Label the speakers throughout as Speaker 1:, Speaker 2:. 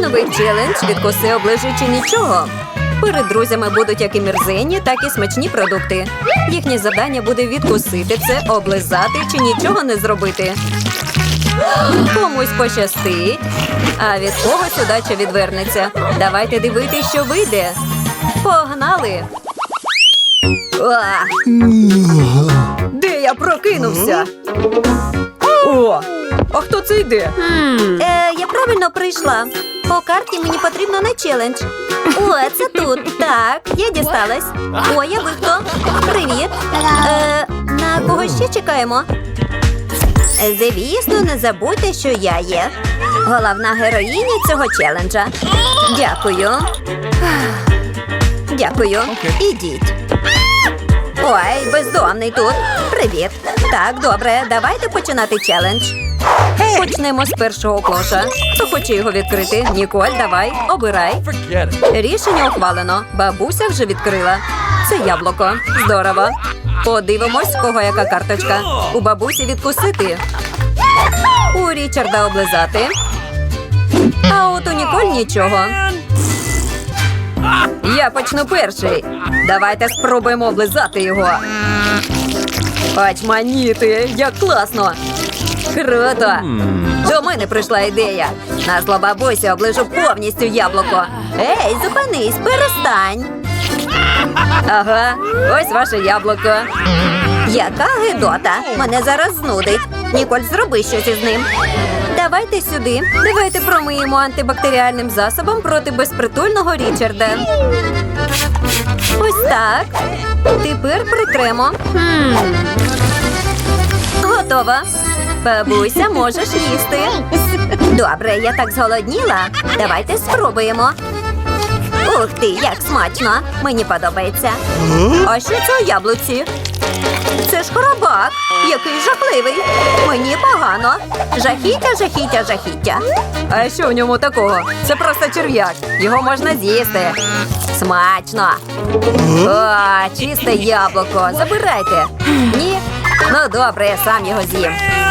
Speaker 1: новий челендж «Відкуси, оближи чи нічого». Перед друзями будуть як і мерзенні, так і смачні продукти. Їхнє завдання буде відкусити це, облизати чи нічого не зробити. Комусь пощастить, а від когось удача відвернеться. Давайте дивитися, що вийде. Погнали! Де я прокинувся? О, а хто це йде? Я правильно прийшла. По карті мені потрібно на челендж. О, це тут. Так, я дісталась. О, я ви хто? Привіт. На кого ще чекаємо? Звісно, не забудьте, що я є головна героїня цього челенджа. Дякую. Дякую. Ідіть. Ой, бездомний тут. Привіт. Так, добре, давайте починати челендж. Почнемо з першого клоша. Хто хоче його відкрити? Ніколь, давай, обирай. Рішення ухвалено. Бабуся вже відкрила. Це яблуко. Здорово. Подивимось, в кого яка карточка. У бабусі відкусити. У Річарда облизати. А от у Ніколь нічого. Я почну перший. Давайте спробуємо облизати його. Очманіти, як класно. Круто. До мене прийшла ідея. На зло бабусі оближу повністю яблуко. Ей, зупинись, перестань. Ага, ось ваше яблуко. Яка гидота. Мене зараз знудить. Ніколь, зроби щось із ним. Давайте сюди. Давайте промиємо антибактеріальним засобом проти безпритульного Річарда. Ось так. Тепер притремо. Готова. Бабуся, можеш їсти. Добре, я так зголодніла. Давайте спробуємо. Ух ти, як смачно. Мені подобається. А що це у яблуці? Це ж хробак. Який жахливий. Мені погано. Жахіття, жахіття, жахіття. А що в ньому такого? Це просто черв'як. Його можна з'їсти. Смачно. О, чисте яблуко. Забирайте. Ні? Ну добре, я сам його з'їм.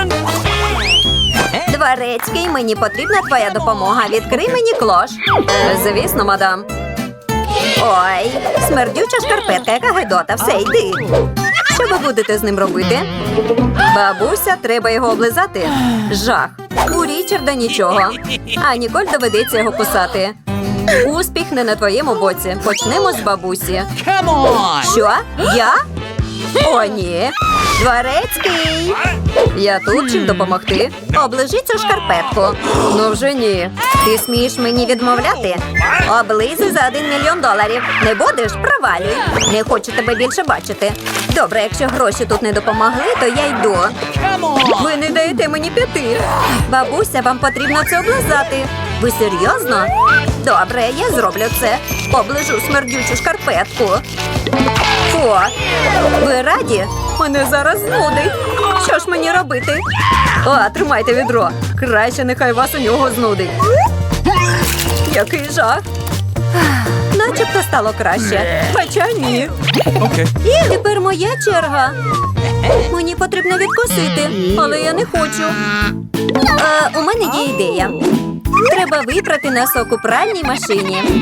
Speaker 1: Дворецький, мені потрібна твоя допомога. Відкрий мені клош. Звісно, мадам. Ой, смердюча шкарпетка, яка гидота. Все, йди. Що ви будете з ним робити? Бабуся, треба його облизати. Жах. У Річарда нічого. А Ніколь доведеться його кусати. Успіх не на твоєму боці. Почнемо з бабусі. Що? Я? О, ні. Дворецький. Я тут, чим допомогти? Оближи цю шкарпетку. Ну вже ні. Ти смієш мені відмовляти? Облизуй за $1 мільйон. Не будеш? Провалюй. Не хочу тебе більше бачити. Добре, якщо гроші тут не допомогли, то я йду. Ви не даєте мені піти. Бабуся, вам потрібно це облизати. Ви серйозно? Добре, я зроблю це. Оближу смердючу шкарпетку. Фу. Ви раді? Мене зараз знудить. Що ж мені робити? О, тримайте відро. Краще нехай вас у нього знудить. Який жах. Начебто стало краще. Хоча ні. І тепер моя черга. Мені потрібно відкусити, але я не хочу. У мене є ідея. Треба випрати носок у пральній машині.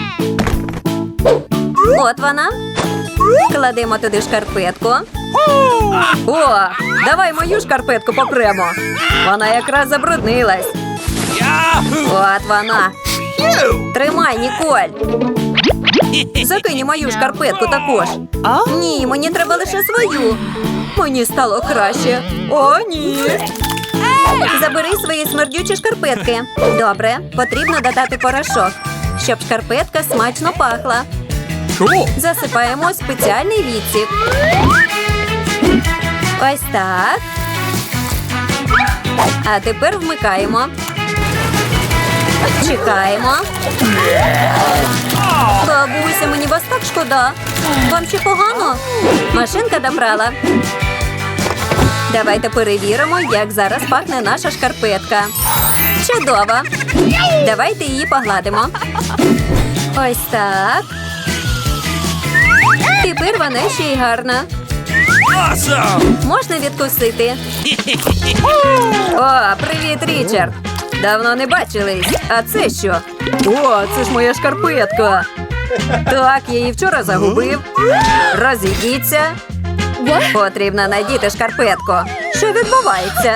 Speaker 1: От вона. Кладемо туди шкарпетку. О, давай мою шкарпетку попремо. Вона якраз забруднилась. От вона. Тримай, Ніколь. Закинь мою шкарпетку також. Ні, мені треба лише свою. Мені стало краще. О, ні. Забери свої смердючі шкарпетки. Добре, потрібно додати порошок, щоб шкарпетка смачно пахла. Засипаємо спеціальний відсік. Ось так. А тепер вмикаємо. Чекаємо. Бабуся, мені вас так шкода. Вам ще погано? Машинка добрала. Давайте перевіримо, як зараз пахне наша шкарпетка. Чудово. Давайте її погладимо. Ось так. Тепер вона ще й гарна. Можна відкусити. О, привіт, Річард. Давно не бачились. А це що? О, це ж моя шкарпетка. Так, я її вчора загубив. Розійдіться. Потрібно надіти шкарпетку. Що відбувається?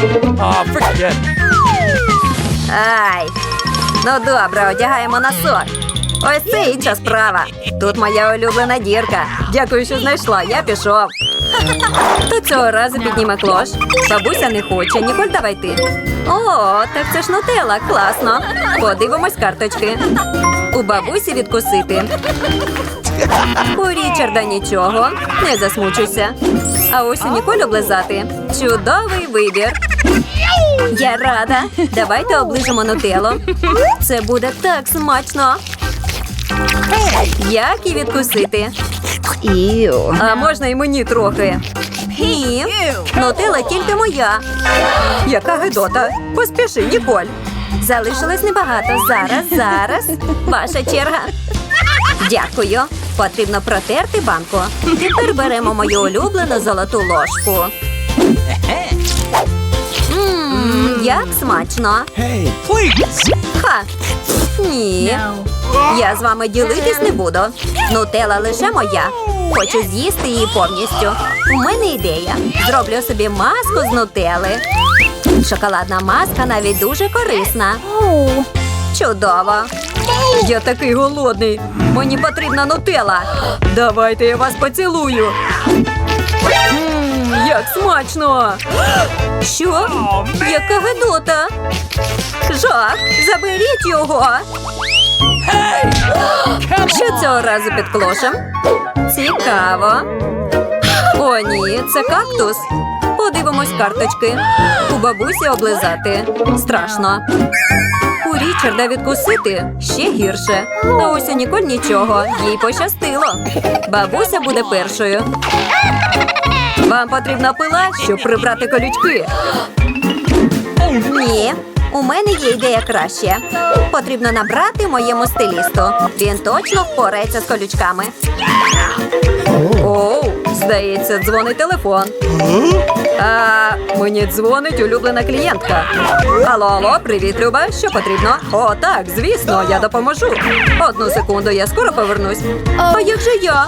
Speaker 1: Ай. Ну добре, одягаємо носок. Ось це інша справа. Тут моя улюблена дірка. Дякую, що знайшла. Я пішов. То цього разу підніме клош. Бабуся не хоче. Ніколь, давай ти. О, так це ж нутелла. Класно. Подивимось карточки. У бабусі відкусити. У Річарда нічого. Не засмучуйся. А ось у Ніколь облизати. Чудовий вибір. Я рада. Давайте оближемо нутеллу. Це буде так смачно. Як і відкусити. А можна і мені трохи. Ні, нутелла тільки моя. Яка гидота. Поспіши, Ніколь. Залишилось небагато. Зараз. Ваша черга. Дякую. Потрібно протерти банку. Тепер беремо мою улюблену золоту ложку. Як смачно. Ха. Ні. Я з вами ділитись не буду. Нутелла лише моя. Хочу з'їсти її повністю. У мене ідея. Зроблю собі маску з нутелли. Шоколадна маска навіть дуже корисна. Чудово. Я такий голодний. Мені потрібна нутелла. Давайте я вас поцілую. Як смачно. Що? Яка гидота. Жах, заберіть його. Що цього разу під клошем? Цікаво. О, ні, це кактус. Подивимось карточки. У бабусі облизати. Страшно. У Річарда відкусити ще гірше. А ось у Ніколь нічого. Їй пощастило. Бабуся буде першою. Вам потрібна пила, щоб прибрати колючки? Ні. У мене є ідея краще. Потрібно набрати моєму стилісту. Він точно впорається з колючками. Оу, здається, дзвонить телефон. Мені дзвонить улюблена клієнтка. Алло, привіт, Люба, що потрібно? О, так, звісно, я допоможу. Одну секунду, я скоро повернусь. А як же я?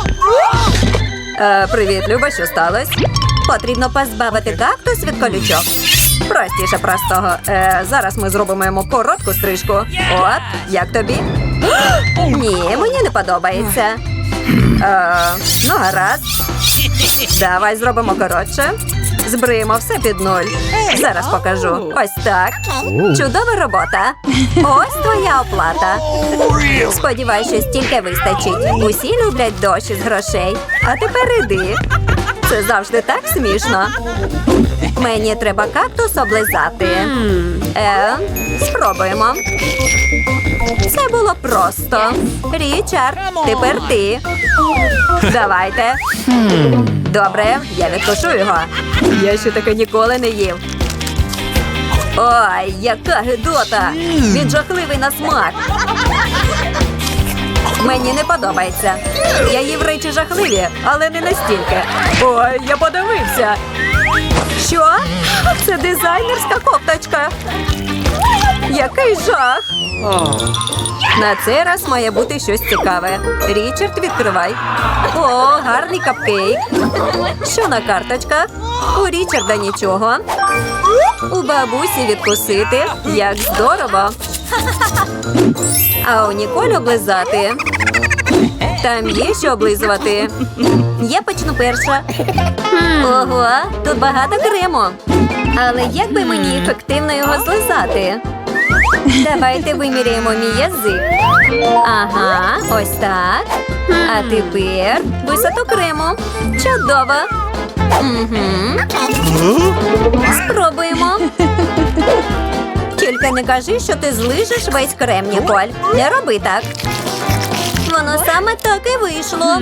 Speaker 1: Привіт, Люба, що сталося? Потрібно позбавити кактус від колючок. Простіше простого. Зараз ми зробимо йому коротку стрижку. От, як тобі? Ні, мені не подобається. Ну, гаразд. Давай зробимо коротше. Збриємо все під нуль. Зараз покажу. Ось так. Чудова робота. Ось твоя оплата. Сподіваюсь, що стільки вистачить. Усі люблять дощ із грошей. А тепер іди. Це завжди так смішно. Мені треба кактус облизати. Спробуємо. Це було просто. Річард, тепер ти. Давайте. Добре, я відкушу його. Я ще таке ніколи не їв. Ой, яка гидота. Він жахливий на смак. Мені не подобається. Я їв речі жахливі, але не настільки. Ой, я подивився. Що? Це дизайнерська кофточка. Який жах. На цей раз має бути щось цікаве. Річард, відкривай. О, гарний капкейк. Що на карточках? У Річарда нічого. У бабусі відкусити. Як здорово. А у Ніколь облизати. Там є що облизувати. Я почну перша. Ого, тут багато крему. Але як би мені ефективно його злизати? Давайте виміряємо мій язик. Ага, ось так. А тепер висоту крему. Чудово. Спробуємо. Тільки не кажи, що ти злижеш весь крем, Ніколь. Не роби так. Воно саме так і вийшло.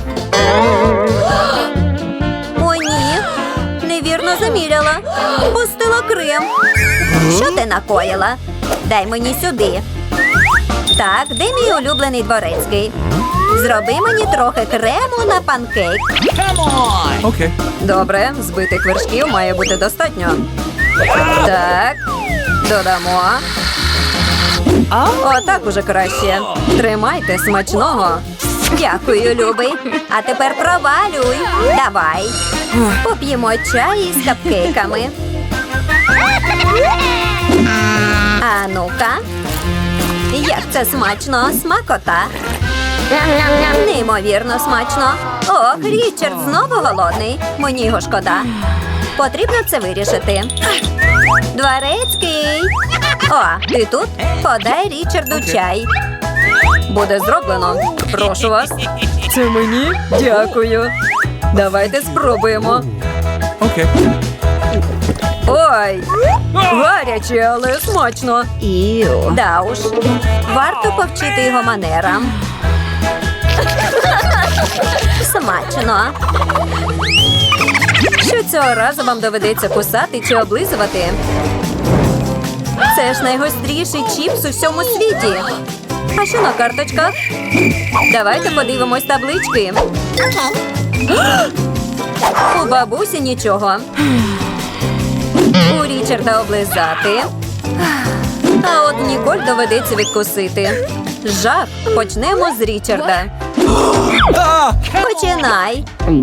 Speaker 1: О, ні. Невірно заміряла. Пустила крем. Що ти накоїла? Дай мені сюди. Так, де мій улюблений дворецький? Зроби мені трохи крему на панкейк.
Speaker 2: Okay.
Speaker 1: Добре, збитих вершків має бути достатньо. Так. Додамо. Отак уже краще. Тримайте, смачного. Дякую, любий. А тепер провалюй. Давай. Поп'ємо чай із капкейками. А ну-ка. Як це смачно, смакота. Неймовірно смачно. Ох, Річард знову голодний. Мені його шкода. Потрібно це вирішити. Дворецький. О, ти тут? Подай Річарду чай. Буде зроблено. Прошу вас. Це мені? Дякую. Давайте спробуємо.
Speaker 2: Okay.
Speaker 1: Ой, гаряче, але смачно. Да уж. Варто повчити його манерам. Смачно. Що цього разу вам доведеться кусати чи облизувати? Це ж найгостріший чіпс у всьому світі. А що на карточках? Давайте подивимось таблички. У бабусі нічого. У Річарда облизати. А от Ніколь доведеться відкусити. Жах. Почнемо з Річарда. Починай.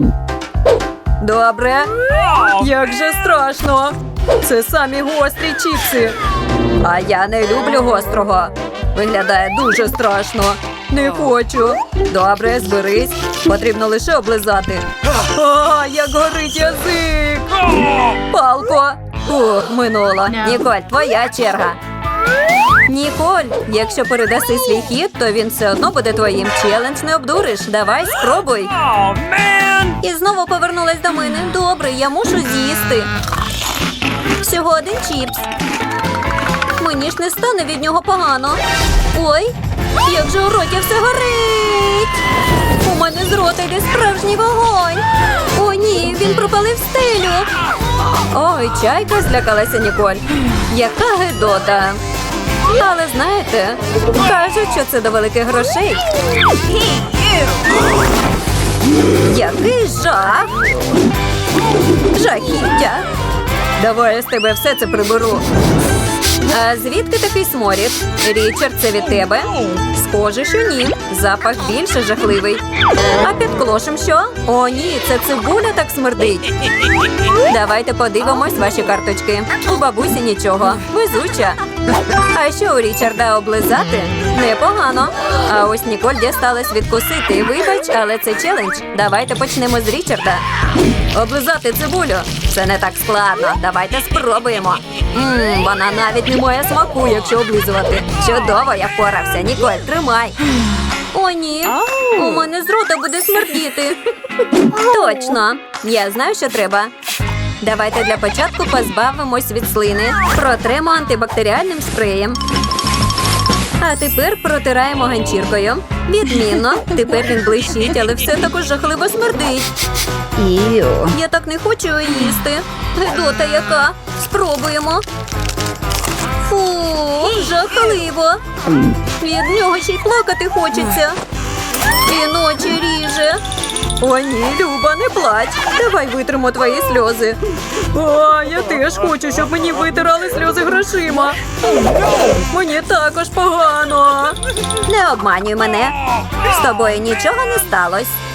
Speaker 1: Добре. Як же страшно. Це самі гострі чіпси. А я не люблю гострого. Виглядає дуже страшно. Не хочу. Добре, зберись. Потрібно лише облизати. А, як горить язик. Палко. Ух, минуло. Ніколь, твоя черга. Ніколь, якщо передаси свій хід, то він все одно буде твоїм. Челендж не обдуриш. Давай, спробуй. І знову повернулась до мене. Добре, я мушу з'їсти. Всього один чіпс. Мені ж не стане від нього погано. Ой, як же у роті все горить. У мене з рота йде справжній вогонь. О, ні, він пропалив стелю. Ой, чайка злякалася Ніколь. Яка гидота. Але знаєте, кажуть, що це до великих грошей. Який жах. Жахіття. Давай я з тебе все це приберу. А звідки такий сморід? Річард, це від тебе? Схоже, що ні. Запах більше жахливий. А під клошем що? О, ні, це цибуля так смердить. Давайте подивимось ваші карточки. У бабусі нічого. Везуча. А що у Річарда облизати? Непогано. А ось Ніколь дісталась відкусити. Вибач, але це челендж. Давайте почнемо з Річарда. Облизати цибулю. Це не так складно. Давайте спробуємо. Вона навіть не має смаку, якщо облизувати. Чудово, я впорався. Ніколь, тримай. О, ні. У мене з рота буде смердіти. Точно. Я знаю, що треба. Давайте для початку позбавимось від слини. Протремо антибактеріальним спреєм. А тепер протираємо ганчіркою. Відмінно. Тепер він блищить, але все також жахливо смердить. Я так не хочу його їсти. Гидота яка. Спробуємо. Фу, жахливо. Від нього ще й плакати хочеться. І ночі ріже. О, ні, Люба, не плач. Давай витримо твої сльози. О, я теж хочу, щоб мені витирали сльози грошима. Мені також погано. Не обманюй мене. З тобою нічого не сталося.